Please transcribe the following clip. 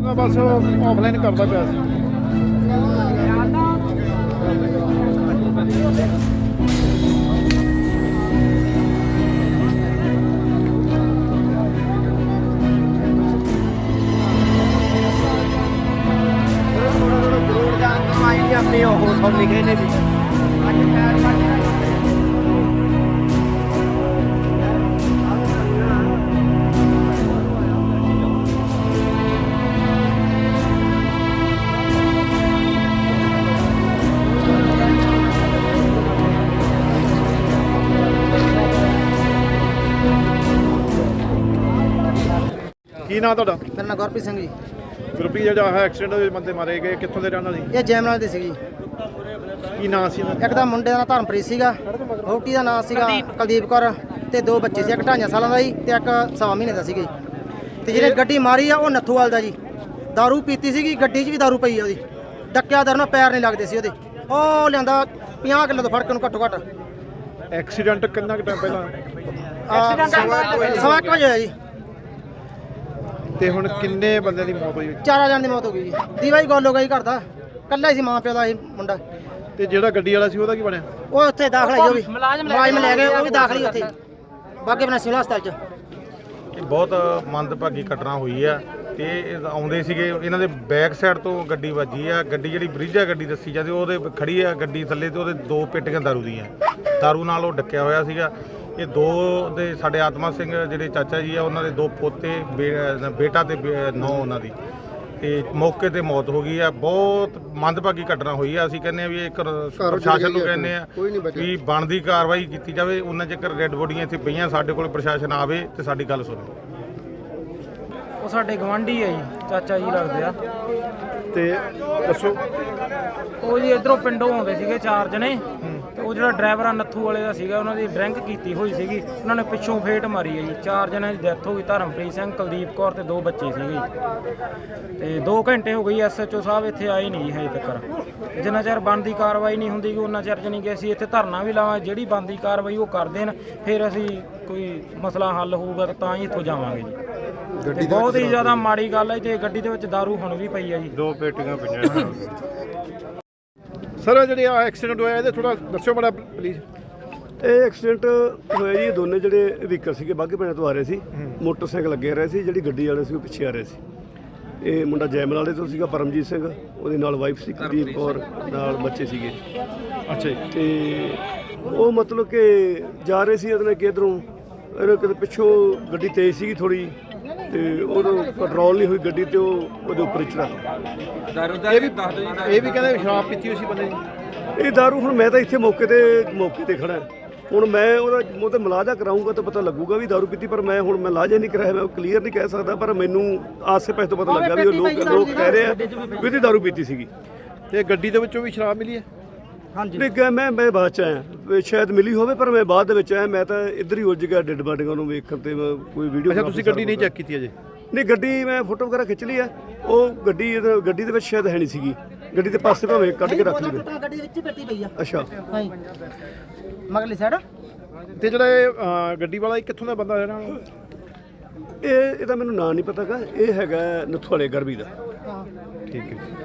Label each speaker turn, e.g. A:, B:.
A: बस ऑफलाइन करता पिया सी।
B: अपनी सब लिखे ने भी
A: की नाम तुहाडा?
C: मेरा नाम गुरप्रीत सिंह जी।
A: ग्रुपी ਜਿਹੜਾ ਹੈ ਐਕਸੀਡੈਂਟ ਦੇ ਬੰਦੇ ਮਾਰੇ ਗਏ ਕਿੱਥੋਂ ਦੇ ਰਹਿਣ ਵਾਲੇ?
C: ਇਹ ਜੈਮਨਾਲ ਦੇ ਸੀ।
A: ਕੀ ਨਾਂ ਸੀ ਇਹਨਾਂ ਦਾ?
C: ਇੱਕ ਦਾ ਮੁੰਡੇ ਦਾ ਨਾਂ ਧਰਮਪ੍ਰੀਤ ਸੀਗਾ, ਵਹੁਟੀ ਦਾ ਨਾਂ ਸੀਗਾ ਕੁਲਦੀਪ ਕੌਰ ਤੇ ਦੋ ਬੱਚੇ ਸੀ, ਇੱਕ 2.5 ਸਾਲਾਂ ਦਾ ਜੀ ਤੇ ਇੱਕ 1.5 ਮਹੀਨੇ ਦਾ ਸੀਗਾ ਜੀ। ਤੇ ਜਿਹਨੇ ਗੱਡੀ ਮਾਰੀ ਆ ਉਹ ਨੱਥੂਵਾਲ ਦਾ ਜੀ। ਦਾਰੂ ਪੀਤੀ ਸੀਗੀ, ਗੱਡੀ 'ਚ ਵੀ ਦਾਰੂ ਪਈ ਆ ਉਹਦੀ। ਡੱਕਿਆ ਦਰ ਨਾਲ ਪੈਰ ਨਹੀਂ ਲੱਗਦੇ ਸੀ ਉਹਦੇ। ਉਹ ਲਿਆਂਦਾ 50 ਕਿਲੋ ਤੋਂ ਫੜ ਕੇ ਨੂੰ ਘੱਟੋ ਘੱਟ।
A: ਐਕਸੀਡੈਂਟ ਕਿੰਨਾ ਕੁ ਟਾਈਮ ਪਹਿਲਾਂ?
C: ਸਵਾ 1 ਵਜੇ ਹੋਇਆ ਜੀ।
A: ਤੇ ਹੁਣ ਕਿੰਨੇ ਬੰਦਿਆਂ ਦੀ ਮੌਤ ਹੋਈ?
C: 4 ਜਣ ਦੀ ਮੌਤ ਹੋ ਗਈ ਜੀ। ਦੀਵਾਈ ਗੋਲ ਹੋ ਗਈ ਘਰ ਦਾ, ਕੱਲਾ ਹੀ ਸੀ ਮਾਂ ਪਿਓ ਦਾ ਇਹ ਮੁੰਡਾ।
A: ਤੇ ਜਿਹੜਾ ਗੱਡੀ ਵਾਲਾ ਸੀ ਉਹਦਾ ਕੀ ਬਣਿਆ?
C: ਉਹ ਉੱਥੇ ਦਾਖਲ ਹੈ, ਉਹ ਵੀ ਮੁਲਾਜ਼ਮ ਲੈ ਗਏ, ਉਹ ਵੀ ਦਾਖਲ ਹੀ ਉੱਥੇ ਬਾਗੇ ਬਣਾ ਸਿਵਲ ਹਸਪਤਾਲ 'ਚ।
D: ਇਹ ਬਹੁਤ ਮੰਦਭਾਗੀ ਘਟਨਾ ਹੋਈ ਆ ਤੇ ਇਹ ਆਉਂਦੇ ਸੀਗੇ, ਇਹਨਾਂ ਦੇ ਬੈਕ ਸਾਈਡ ਤੋਂ ਗੱਡੀ ਵੱਜੀ ਆ। ਗੱਡੀ ਜਿਹੜੀ ਬ੍ਰਿਜ ਆ ਗੱਡੀ ਦੱਸੀ ਜਾਂਦੀ, ਉਹਦੇ ਖੜੀ ਆ ਗੱਡੀ ਥੱਲੇ ਤੇ ਉਹਦੇ 2 ਪੇਟੀਆਂ ਦਾਰੂ ਦੀਆਂ, ਦਾਰੂ ਨਾਲ ਉਹ ਡੱਕਿਆ ਹੋਇਆ ਸੀਗਾ। ਇਹ 2 ਦੇ ਸਾਡੇ ਆਤਮਾ ਸਿੰਘ ਜਿਹੜੇ ਚਾਚਾ ਜੀ ਆ, ਉਹਨਾਂ ਦੇ 2 ਪੋਤੇ, ਬੇਟਾ ਤੇ ਨੌ ਉਹਨਾਂ ਦੀ, ਤੇ ਮੌਕੇ ਤੇ ਮੌਤ ਹੋ ਗਈ ਆ। ਬਹੁਤ ਮੰਦਭਾਗੀ ਘਟਨਾ ਹੋਈ ਆ। ਅਸੀਂ ਕਹਿੰਦੇ ਆ ਵੀ ਇਹ ਪ੍ਰਸ਼ਾਸਨ ਨੂੰ ਕਹਿੰਦੇ ਆ ਵੀ ਬਣਦੀ ਕਾਰਵਾਈ ਕੀਤੀ ਜਾਵੇ। ਉਹਨਾਂ ਚਿਰ ਡੈੱਡ ਬੋਡੀਆਂ ਇੱਥੇ ਪਈਆਂ, ਸਾਡੇ ਕੋਲ ਪ੍ਰਸ਼ਾਸਨ ਆਵੇ ਤੇ ਸਾਡੀ ਗੱਲ ਸੁਣੇ।
E: ਉਹ ਸਾਡੇ ਗਵਾਂਢੀ ਆ ਜੀ, ਚਾਚਾ ਜੀ ਲੱਗਦੇ ਆ।
A: ਤੇ ਦੱਸੋ।
E: ਉਹ ਜੀ ਇਧਰੋਂ ਪਿੰਡੋਂ ਆਉਂਦੇ ਸੀਗੇ 4 ਜਣੇ ਤੇ ਉਹ ਜਿਹੜਾ ਡਰਾਈਵਰ ਆ ਨੱਥੂ ਵਾਲੇ ਦਾ ਸੀਗਾ, ਉਹਨਾਂ ਦੀ ਡਰਿੰਕ ਕੀਤੀ ਹੋਈ ਸੀਗੀ। ਉਹਨਾਂ ਨੇ ਪਿੱਛੋਂ ਫੇਟ ਮਾਰੀ ਹੈ ਜੀ। 4 ਜਣਿਆਂ ਦੀ ਡੈਥ ਹੋ ਗਈ, ਧਰਮਪ੍ਰੀਤ ਸਿੰਘ, ਕੁਲਦੀਪ ਕੌਰ ਤੇ 2 ਬੱਚੇ ਸੀਗੇ। ਤੇ 2 ਘੰਟੇ ਹੋ ਗਈ, ਐਸਐਚਓ ਸਾਹਿਬ ਇੱਥੇ ਆਏ ਨਹੀਂ ਜੀ ਹਜੇ ਤੱਕ। ਜਿੰਨਾ ਚਿਰ ਬਣਦੀ ਕਾਰਵਾਈ ਨਹੀਂ ਹੁੰਦੀ ਉਹਨਾਂ ਚਿਰ ਜਾਣੀ ਕਿ ਅਸੀਂ ਇੱਥੇ ਧਰਨਾ ਵੀ ਲਾਵਾਂ। ਜਿਹੜੀ ਬਣਦੀ ਕਾਰਵਾਈ ਉਹ ਕਰ ਦੇਣ, ਫਿਰ ਅਸੀਂ ਕੋਈ ਮਸਲਾ ਹੱਲ ਹੋਊਗਾ ਤਾਂ ਹੀ ਇੱਥੋਂ ਜਾਵਾਂਗੇ ਜੀ। ਤੇ ਬਹੁਤ ਹੀ ਜ਼ਿਆਦਾ ਮਾੜੀ ਗੱਲ ਹੈ ਤੇ ਗੱਡੀ ਦੇ ਵਿੱਚ ਦਾਰੂ ਹੁਣ ਵੀ ਪਈ ਹੈ ਜੀ।
D: 2 ਪੇਟੀਆਂ ਪਈਆਂ।
A: ਸਰ ਜਿਹੜੇ ਆ ਐਕਸੀਡੈਂਟ ਹੋਇਆ ਇਹਦੇ ਥੋੜਾ ਦੱਸਿਓ ਬੜਾ ਪਲੀਜ਼।
F: ਇਹ ਐਕਸੀਡੈਂਟ ਹੋਇਆ ਜੀ, ਦੋਨੇ ਜਿਹੜੇ ਵਹੀਕਲ ਸੀਗੇ ਬਾਘੇ ਪਿੰਡ ਤੋਂ ਆ ਰਹੇ ਸੀ, ਮੋਟਰਸਾਈਕਲ ਲੱਗੇ ਰਹੇ ਸੀ। ਜਿਹੜੀ ਗੱਡੀ ਵਾਲੇ ਸੀ ਉਹ ਪਿੱਛੇ ਆ ਰਹੇ ਸੀ। ਇਹ ਮੁੰਡਾ ਜੈਮਲ ਵਾਲੇ ਤੋਂ ਸੀਗਾ, ਪਰਮਜੀਤ ਸਿੰਘ, ਉਹਦੇ ਨਾਲ ਵਾਈਫ ਸੀ ਕੁਲਦੀਪ ਕੌਰ, ਨਾਲ ਬੱਚੇ ਸੀਗੇ।
A: ਅੱਛਾ ਜੀ।
F: ਤੇ ਉਹ ਮਤਲਬ ਕਿ ਜਾ ਰਹੇ ਸੀ ਉਹਦੇ ਨਾਲ ਕਿ ਇੱਧਰੋਂ ਕਿਤੇ ਪਿੱਛੋਂ ਗੱਡੀ ਤੇਜ਼ ਸੀਗੀ ਥੋੜੀ, ਤੇ ਉਦੋਂ ਕੰਟਰੋਲ ਨਹੀਂ ਹੋਈ ਗੱਡੀ ਤੇ ਉਹ ਉਹਦੇ ਉੱਪਰ ਚੜਾ
A: ਇਹ ਵੀ ਕਹਿੰਦੇ ਸ਼ਰਾਬ ਪੀਤੀ ਹੋਈ ਸੀ ਬੰਦੇ ਦੀ।
F: ਇਹ ਦਾਰੂ ਹੁਣ ਮੈਂ ਤਾਂ ਇੱਥੇ ਮੌਕੇ ਤੇ ਖੜਾ। ਹੁਣ ਮੈਂ ਉਹਦਾ ਤੇ ਮਲਾਜਾ ਕਰਾਊਂਗਾ ਤਾਂ ਪਤਾ ਲੱਗੂਗਾ ਵੀ ਦਾਰੂ ਪੀਤੀ, ਪਰ ਮੈਂ ਹੁਣ ਮੈਂ ਲਾਜਾ ਨਹੀਂ ਕਰਾਇਆ, ਮੈਂ ਕਲੀਅਰ ਨਹੀਂ ਕਹਿ ਸਕਦਾ। ਪਰ ਮੈਨੂੰ ਆਸੇ ਪਾਸੇ ਤੋਂ ਪਤਾ ਲੱਗਾ ਵੀ ਉਹ ਲੋਕ ਕਹਿ ਰਹੇ ਆ ਵੀ ਇਹਦੀ ਦਾਰੂ ਪੀਤੀ ਸੀਗੀ।
A: ਤੇ ਗੱਡੀ ਦੇ ਵਿੱਚੋਂ ਵੀ ਸ਼ਰਾਬ ਮਿਲੀ ਹੈ?
C: ਹਾਂਜੀ।
F: ਮੈਂ ਬਾਅਦ ਚ ਆਇਆ, ਸ਼ਾਇਦ ਮਿਲੀ ਹੋਵੇ, ਪਰ ਮੈਂ ਬਾਅਦ ਦੇ ਵਿੱਚ ਆਇਆ। ਮੈਂ ਤਾਂ ਇੱਧਰ ਹੀ ਉਲਝ ਗਿਆ ਡੈਡ ਬਾਡੀਆਂ ਨੂੰ ਵੇਖਣ ਤੇ ਕੋਈ ਵੀਡੀਓ।
A: ਅੱਛਾ, ਤੁਸੀਂ ਗੱਡੀ ਨਹੀਂ ਚੈੱਕ ਕੀਤੀ ਅਜੇ?
F: ਨਹੀਂ, ਗੱਡੀ ਮੈਂ ਫੋਟੋ ਵਗੈਰਾ ਖਿੱਚ ਲਈ ਆ। ਉਹ ਗੱਡੀ ਦੇ ਵਿੱਚ ਸ਼ਾਇਦ ਹੈ ਨਹੀਂ ਸੀਗੀ। ਗੱਡੀ ਦੇ ਪਾਸੇ ਭਾਵੇਂ ਕੱਢ ਕੇ ਰੱਖ ਲਈ।
C: ਗੱਡੀ ਦੇ ਵਿੱਚ ਹੀ ਪੱਟੀ ਪਈ ਆ।
F: ਅੱਛਾ,
C: ਹਾਂਜੀ, ਮਗਲੀ ਸਾਈਡ।
A: ਤੇ ਜਿਹੜਾ ਇਹ ਗੱਡੀ ਵਾਲਾ ਕਿੱਥੋਂ ਦਾ ਬੰਦਾ ਜਿਹੜਾ?
F: ਇਹਦਾ ਮੈਨੂੰ ਨਾਂ ਨਹੀਂ ਪਤਾਗਾ। ਇਹ ਹੈਗਾ ਨੱਥੂ ਵਾਲੇ ਗਰਬੀ ਦਾ।
A: ਠੀਕ ਹੈ।